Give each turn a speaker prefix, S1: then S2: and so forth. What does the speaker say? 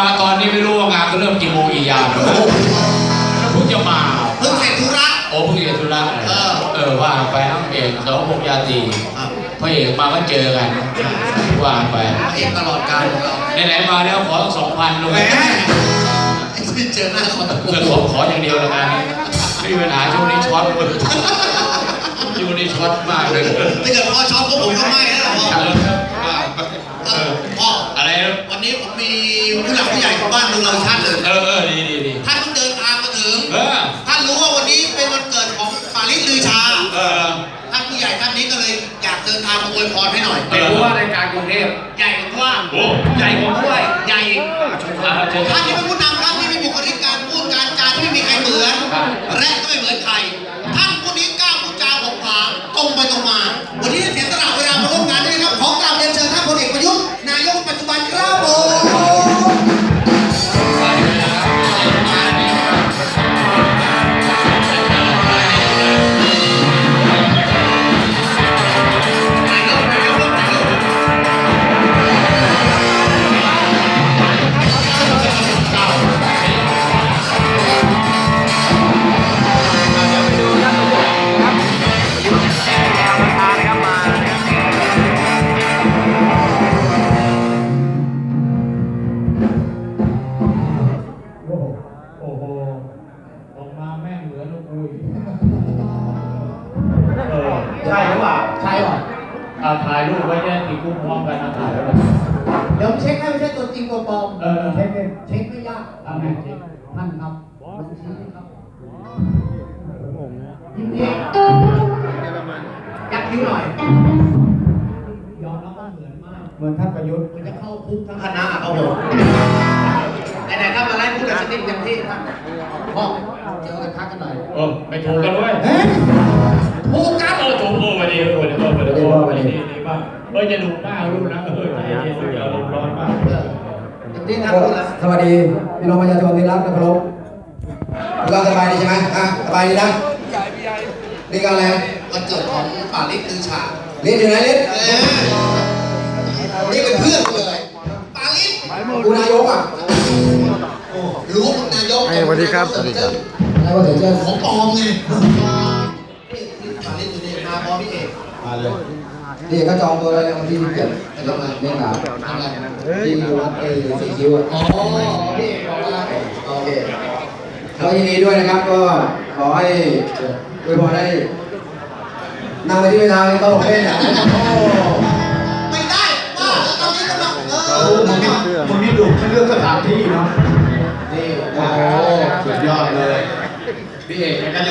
S1: มาตอนนี้ไม่รู้ว่างานก็เริ่มกี่โมงกี่ยามแล้วเพิ่งจะมา
S2: เพิ่งเสร็จธุระ
S1: โอ้เพิ่งเสร็จธุระว่าไปน้องเอกสองพงยาตีพระเอกมาก็เจอกันว่าไป
S2: เอกตลอดการของเรา
S1: ไหนๆมาแล้วขอ2,000ลง
S2: ไม่เจอหน้า
S1: ขออย่างเดียวแล้วกันไม่มีปัญหาช่วงนี้ช็อตช่วงนี้ช็อตมากเลย
S2: ถ้าเกิดพ่อช็อตพวกผมก็ไม่นะพ่อ
S1: อะไร
S2: วันนี้ผมมีผู้หลักผู้ใหญ่ของบ้านเมืองเราท่านเลย
S1: ดี
S2: ท่านเพิ่งเดินทางมาถึงท่านรู้ว่าวันนี้เป็นวันเกิดของปาริสลือชาท่านผู้ใหญ่ท่านนี้ก็เลยอยากเดินทางมาอวยพรให้หน่อย
S1: เป็นผู้ว่ารายการกรุงเทพ
S2: ใหญ่กว่าใหญ่กว่าด้วยใหญ่ท่านที่เป็นผู้นำครับที่มีบุคลิกการพูดการจาที่ไม่มีใครเหมือนและก็ไม่เหมือนใครท่านคนนี้กล้าพูดจาของผางตรงไปตรงมาวันนี้เสียสละเวลามาร่วมงานด้วยครับขอกราบเรียนเชิญท่านพลเอกประยุทธ์นายกปัจจุบันครับผม
S1: ใช่หรือเปล่าใช่หรอถ่ายรูปไว้เนี่ยติดรูปพร้อมกันนะถ่ายแล้ว
S2: เดี๋ยวเช็คให้ไม่ใช่ตัวจริงตัวปลอม
S1: เช็ค
S2: ไม่ยาก
S1: ทำไงเช็ค
S2: ท่านครับบัญชีครับยิ้มดียักคิ้วหน่อยยอมรับว่าเหมือนมาก
S1: เหมือนท่านประยุทธ์
S2: มันจะเข้าคุกทั้งคณะเอาผมไหนๆครับมาไล่พูดกันสักนิดอย่างที่ท่านพ่อเจอกันทักกันหน่อย
S1: ไม่ถูกกันด้วย
S2: ถูกกัน
S1: ถูกวันนี้วันนี้ดีมากจะดูหน้ารูปนะใจเย็นๆอย่าลมร้อนมาก
S3: สวัสดีพี่น้องประชาชนที่รักและเคารพเราสบายดีใช่ไหมสบายดีนะนี่ก็อะไร
S2: วันเกิดของปาริสลือชา
S3: ลิศอยู่ไหนลิศ
S2: นี่เป็นเพื่อนเลยปาริส
S3: กูนายก
S2: รู้ว่ามึงนายก
S4: สวัสดีครับสวัสดีครับ
S3: นายกเถิดเจ้า
S2: ของปลอมไงปาริสอยู่นี่มาพร้อมพี่เอก
S3: มาเลยนี่ก็จองตัวเลยวันที่17จะมาเล่นหนา
S2: ทำอะไร
S3: ที่วัดสีคิ้ว
S2: อ๋อพี่เอกบอกว่า
S3: โอเคก็ยินดีด้วยนะครับก็ขอให้อวยพรได้นั่งไปที่เวลาโต๊ะเล่น
S2: ไม่ได้ว่าตอนนี้กำลัง
S1: มึงนี่ดุไม่เลือกสถานที่เนาะ
S2: นี่
S1: โอ้สุดยอดเลย
S2: พี่เอก